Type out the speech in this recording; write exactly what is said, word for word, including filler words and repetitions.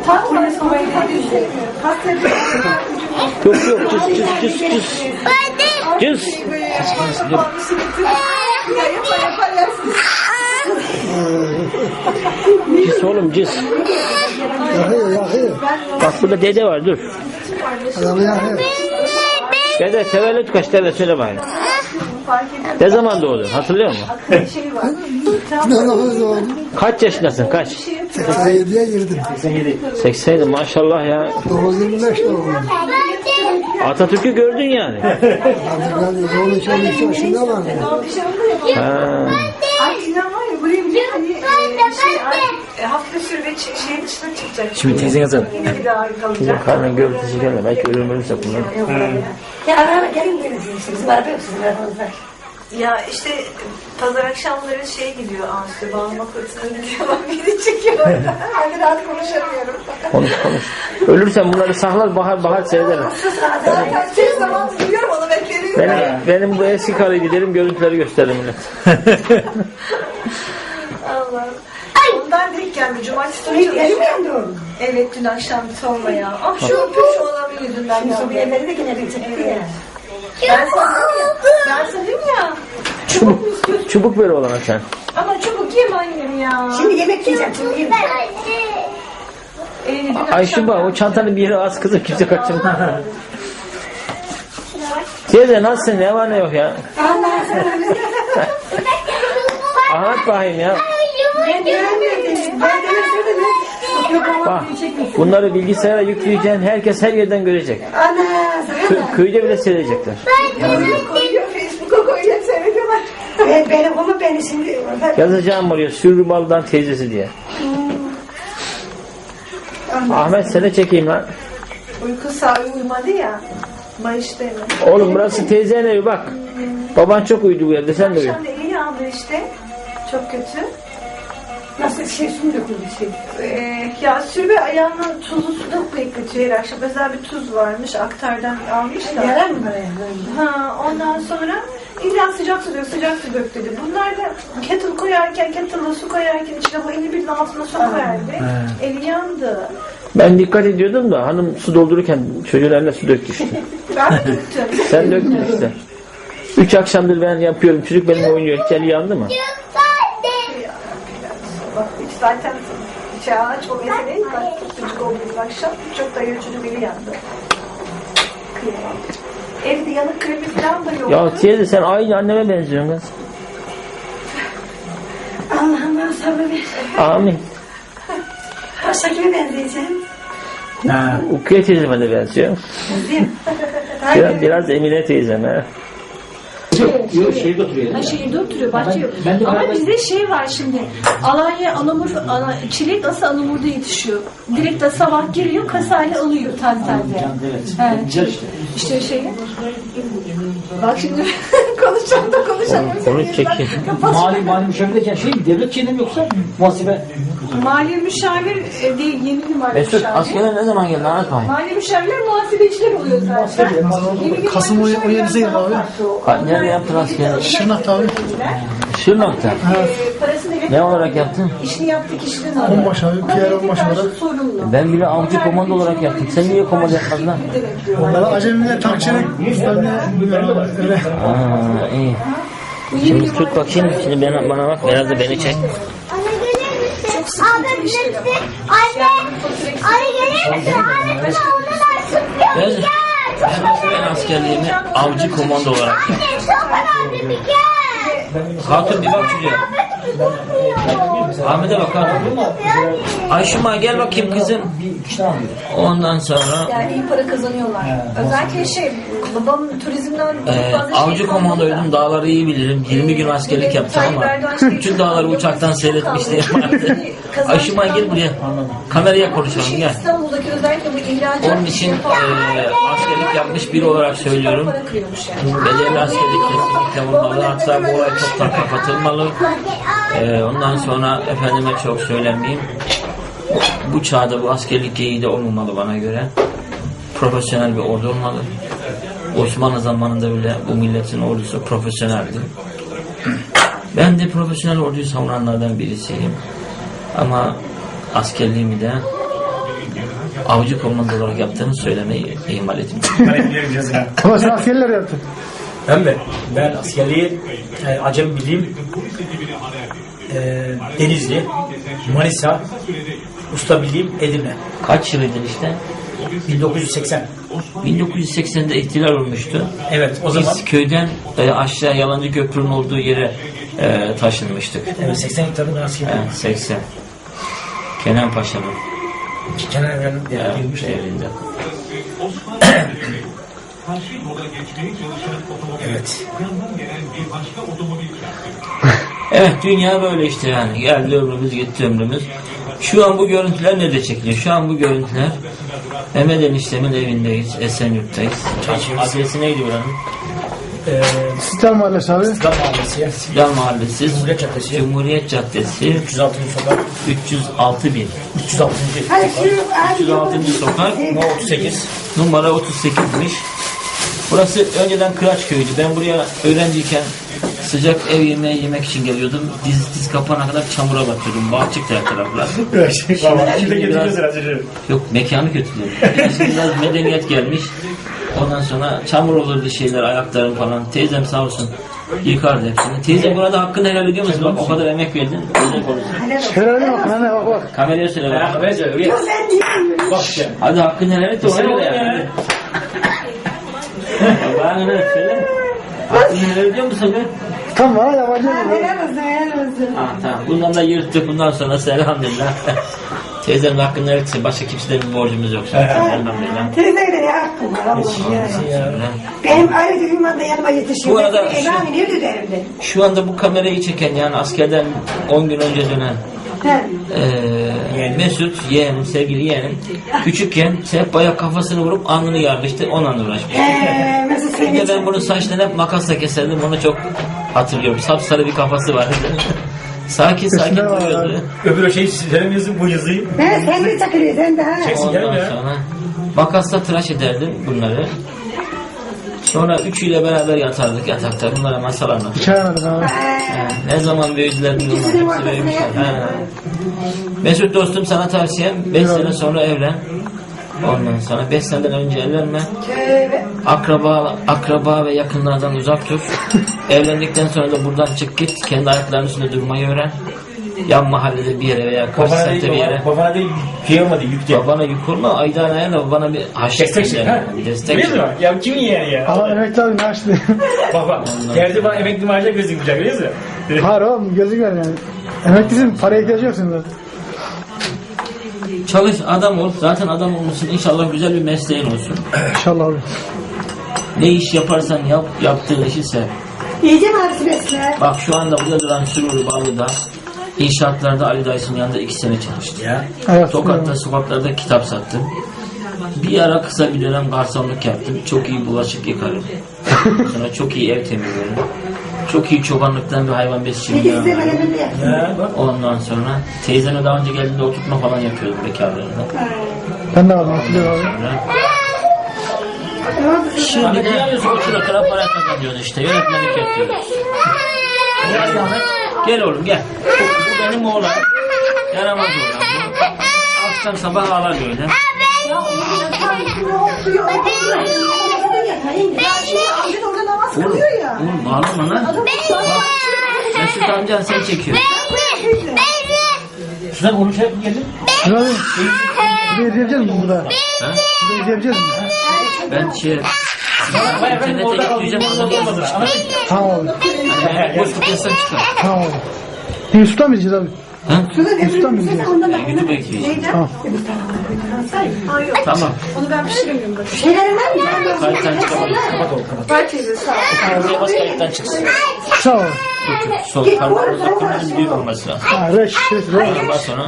Yok yok cız cız cız cız. Cız. Cız oğlum cız. Yakıyor yakıyor. Bak burada dede var dur. Adamı yakıyor. Dede tevellüt kaç dede söyle bakayım. Ne zaman doğdun hatırlıyor musun? Ne zaman oldu? Kaç yaşındasın kaç? seksen yediye girdim. seksen yedi maşallah ya. dokuz yirmi beş doğumluyum. Atatürk'ü gördün yani. Artık ben on üç on üç yaşında vardım. Ha. Ay inan var ya buraya bir hani e, şey ay, e, hafta sürü ve ç- şeyin dışına çıkacak. Şimdi teyzen yazalım. Yine bir daha Bizim kalacak. karnın görüntüsü gelme. Belki ölüm ölürse bunlar. Ya araba gelin gelin siz var mı sizin arabanızda? Ya işte pazar akşamları şey gidiyor Ansu bağlama kursuna gidiyor. Bak beni çekiyor orada. Hani rahat konuşamıyorum. Konuş konuş. Ölürsen bunları saklar bahar bahar seyrederim. Her zaman biliyorum onu beklerim. Benim, benim bu eski karıyı giderim görüntüleri gösteririm millet. Allah'ım. Ondan denk geldi. Cumartesi günü çalıştım. Evet dün akşam sorma ya. Ah şu öpüyor şu adamın yüzünden ya. Şimdi bir yerleri de yine bir çekti ya. Ben sana ya. Ben sana dedim ya. Çubuk mu istiyorsun? Çubuk ver oğlana sen. Ama çubuk yeme annem ya. Şimdi yemek yiyeceğim. Şimdi yemek. Ee, dün Ayşe bak o çantanın bir yere az kızım kimse kaçırmaz. Teyze nasılsın ne var ne yok ya? Anlat bakayım ya. Ben göremiyorum. Ben göremiyorum. Bak bunları bilgisayara yükleyeceksin herkes her yerden görecek. Ana. Kı- köyde bile seyredecekler. koyuyor Facebook'a koyuyor seyrediyorlar. Ben benim ama beni şimdi Yazacağım oraya Sürbal'dan teyzesi diye. Ahmet seni çekeyim lan. Uyku sahibi uyumadı ya. Mayıs değil mi? Oğlum burası teyzenin evi bak. Baban çok uyudu bu evde sen de uyu. Akşam da eli yandı işte. Çok kötü. nasıl bir şey su döküldü bir şey. Ee, ya sürbe ayağına tuzlu su da bekletiyor her akşam. Özel bir tuz varmış. Aktardan almış da. Yarar mı bana? Ha, ondan sonra illa sıcak su dök, sıcak su dök dedi. Bunlar da kettle koyarken, kettle'la su koyarken içine bu elini birinin altına su koyardı. Eli yandı. Ben dikkat ediyordum da hanım su doldururken çocuğun eline su döktü işte. Ben döktüm. Sen döktün işte. Üç akşamdır ben yapıyorum. Çocuk benimle oynuyor. Hiç eli yandı mı? Bak hiç zaten bıçağı aç o meseleyi. Bak çocuk olduğumuz akşam çok da çocuk eli yandı. Kıyamam. Evde yanık kremi falan da yok. Ya teyze sen aynı anneme benziyorsun kız. Allah'ım bana sabır ver. Amin. Başka kime benzeyeceğim? Ha. Ukiye teyzeme de benziyor. Değil. Biraz, biraz Emine teyzeme. Yok şehirde oturuyor. Ha, şehirde oturuyor, bahçe yok. ben de Ama beraber- bizde şey var şimdi. Alanya, Anamur, ana, çilek nasıl Anamur'da yetişiyor. Direkt de sabah geliyor, kasayla alıyor taze taze. Evet. Evet. Güzel işte. İşte şey. Bak şimdi konuşacağım da konuşamıyorum. Onu çekeyim. Mali mali müşavirken şey mi? Devlet şeyinde mi yoksa muhasebe? Mali müşavir e, değil, yeni bir mali Mesut müşavir. askere ne zaman geldin anlat bakayım. Mali müşavirler muhasebeciler oluyor zaten. Yeni bir Kasım mali o- o yedi müşavir değil abi. Ka- Nerede yaptın askeri? Şırnak abi. Şırnak'ta. E, parasını verip Ne olarak yaptın? işini yaptı kişiden alıyor. Onbaşı abi. Pierre onbaşı olarak. Sorumlu. Ben bile avcı komando olarak yaptım. Sen niye komando yapmadın lan? Onlara acemiler tankçılık. Üstlerine öyle. Aa, iyi. Şimdi tut bakayım. Şimdi bana, bana bak. Biraz da beni çek. Anne gelir misin? Abi bizi anne anne gelir misin? Anne bana ondan sıkıyor. Gel. Gel. Ben askerliğimi avcı komando olarak yaptım. Anne çok önemli bir gel. Hatun bir bak şuraya. Ahmet'e bak Hatun. Ayşuma gel bakayım kızım. Ondan sonra Yani iyi para kazanıyorlar. Özellikle şey, babam turizmden çok Ee, fazla avcı şey komandoydum. Dağları iyi bilirim. yirmi gün askerlik yaptım ama bütün dağları uçaktan seyretmişliğim vardı. Ayşuma gel buraya. Kameraya konuşalım Şey, gel. İstanbul'daki özellikle bu ihracat Onun için e, askerlik yapmış biri olarak söylüyorum. para kırıyormuş yani. Bedelli askerlik kesinlikle olmalı. Hatta bu olay çoktan kapatılmalı. E, ondan sonra efendime çok söylemeyeyim. Bu çağda bu askerlik geyiği de olmamalı bana göre. Profesyonel bir ordu olmalı. Osmanlı zamanında bile bu milletin ordusu profesyoneldi. Ben de profesyonel orduyu savunanlardan birisiyim. Ama askerliğimi de avcı komando olarak yaptığını söylemeyi ihmal etmiyorum. Ben biliyorum yazına. Ama sen askerler yaptın. Ben mi? Ben askerliği e, Acem Birliğim, e, Denizli, Manisa, Usta Birliğim, Edirne. Kaç yılıydın işte? bin dokuz yüz seksen. bin dokuz yüz seksende ihtilal olmuştu. Evet, o zaman Biz köyden e, aşağı Yalancı Köprü'nün olduğu yere e, taşınmıştık. evet, seksen tabii ben askerliğim. Evet, seksen. Kenan Paşa'nın Kenan Evren'in evet, girmiş. evinde. Evet. Evet, dünya böyle işte yani. Geldi ömrümüz, gitti ömrümüz. Şu an bu görüntüler ne de çekiliyor? Şu an bu görüntüler Mehmet eniştemin evindeyiz, Esenyurt'tayız. Adresi neydi buranın? Ee, Sistem Mahallesi abi. İslam Mahallesi. Silah Mahallesi, Cumhuriyet Caddesi. Cumhuriyet Caddesi, üç yüz altıncı sokak. üç yüz altı bin. üç yüz altıncı. üç yüz altıncı sokak, No otuz sekiz. numara otuz sekizmiş. Burası önceden Kıraç köyüydü. Ben buraya öğrenciyken sıcak ev yemeği yemek için geliyordum. Diz diz kapana kadar çamura batıyordum. Bahçık her taraflar. Şimdi biraz- herhalde. Yok, mekanı kötülüyor. Şimdi biraz medeniyet gelmiş. Ondan sonra çamur olurdu şeyler, ayaklarım falan. Teyzem sağ olsun yıkardı hepsini. Teyze burada hakkını helal ediyor musun? Bak o kadar emek verdin. Teyze konuşsun. Şöyle bak anne bak bak. Kameraya söyle bak. Ya bence öyle. Bak işte. Hadi hakkını helal et de ona Sen göre oğlum yani. ya. Bana ne söyle. Hakkını helal ediyor musun be? Tam bana yabancı mı? Helal olsun, helal olsun. Ha, tamam. Bundan da yırttık. Bundan sonra elhamdülillah. Teyzemin hakkını helal etse başka kimseden bir borcumuz yok. Elhamdülillah. Teyzeyle ya hakkım var Allah'ım ya. Benim ayrıca ünvan da yanıma yetişiyor. Bu arada Ben seni Elan ediyordu derimde. Şu anda bu kamerayı çeken yani askerden on gün önce dönen He. Ee, Mesut yeğenim, sevgili yeğenim küçükken sehpaya kafasını vurup alnını yarmıştı, onunla uğraşmıştı. Eee Mesut Bir de seni ben bunu saçtan hep makasla keserdim, onu çok hatırlıyorum. Sapsarı bir kafası vardı. sakin sakin Kesinlikle var duruyordu. Öbür o şey sizlerin yazın bu yazıyı. He sen bir çakırıyor sen de ha. Çeksin gelin Ondan ya. sonra makasla tıraş ederdim bunları. Sonra üçüyle beraber yatardık yatakta. Bunlara masal anlatırdık. Hikaye anladım abi. Ha, ne zaman büyüdüler bilmiyorum. İkisinin Hepsi ortasına büyümüşler. yatıyor. Ha. Mesut dostum, sana tavsiyem beş sene sonra evlen. Ondan sonra beş seneden önce evlenme. Tövbe. Akraba, akraba ve yakınlardan uzak dur. Evlendikten sonra da buradan çık git. Kendi ayaklarının üstünde durmayı öğren. Yan mahallede bir yere veya karşı Babana semtte bir değil, yere. babana, babana değil, şey olmadı, yük diye. Babana yük olma. Aydan ayağına babana bir haşet. Destek şey, ha? Bir destek. Biliyor musun? Ya kimin yeğeni ya? Ama emekli abi ne açtı? Bak bak, geldi bana emekli maaşa gözükmeyecek, biliyor musun? Hayır oğlum gözükmüyor yani. Emeklisin paraya ihtiyacı yok senin zaten. Çalış, adam ol. Zaten adam olmuşsun. İnşallah güzel bir mesleğin olsun. İnşallah abi. Ne iş yaparsan yap, yaptığın işi sev. Yiyeceğim ağrısı besle. Bak şu anda burada duran Süruri Ballı'da inşaatlarda Ali Dayıs'ın yanında iki sene çalıştı. Ya. Evet. Tokat'ta sokaklarda kitap sattım. Bir ara kısa bir dönem garsonluk yaptım. Çok iyi bulaşık yıkarım. Sonra çok iyi ev temizlerim. Çok iyi çobanlıktan bir hayvan besçiliği İkisi de yaparım. benim de yaptım. Ya bak. Ondan sonra teyzeme daha önce geldiğinde oturtma falan yapıyordum bekarlığında. Ben de aldım hatırlıyorum abi. Şimdi de otura kadar para kazanıyoruz işte. Yönetmenlik yapıyoruz. Gel Ahmet. Gel oğlum gel. Bu benim oğlan. Yaramaz oğlan. Akşam sabah ağlar böyle. Amcan orada namaz Oğlum, kılıyor ya. oğlum bağırma lan. Mesut amcan seni çekiyor. Şuradan onu şey yapıp geldin. Şuna abi. Burada izleyebileceğiz mi burada? Ha? Burada izleyebileceğiz mi? Ben şey... Baya ben İnternete orada yükleyeceğim, kaldım. ondan Orada olmadı. sonra Anladın çıkar. mı? Tamam abi. Yani boşluk yazsan çıkar. Tamam abi. Yusuf'ta mı gideceğiz abi? Ha? Yusuf'ta mı gideceğiz? Gidip bekleyeceğim. Tamam. Ha yok. Tamam. Onu ben pişiremiyorum. bak. Şeylerim var mı? Ben de Kayıttan çıkamayız. Kapat oğlum kapat. var teyze sağ ol. Kırmızıya bas, kayıttan çıksın. Sağ ol. Sol parmağımızda kırmızı büyük olması lazım. Ha reş. Reş. Reş. Ondan sonra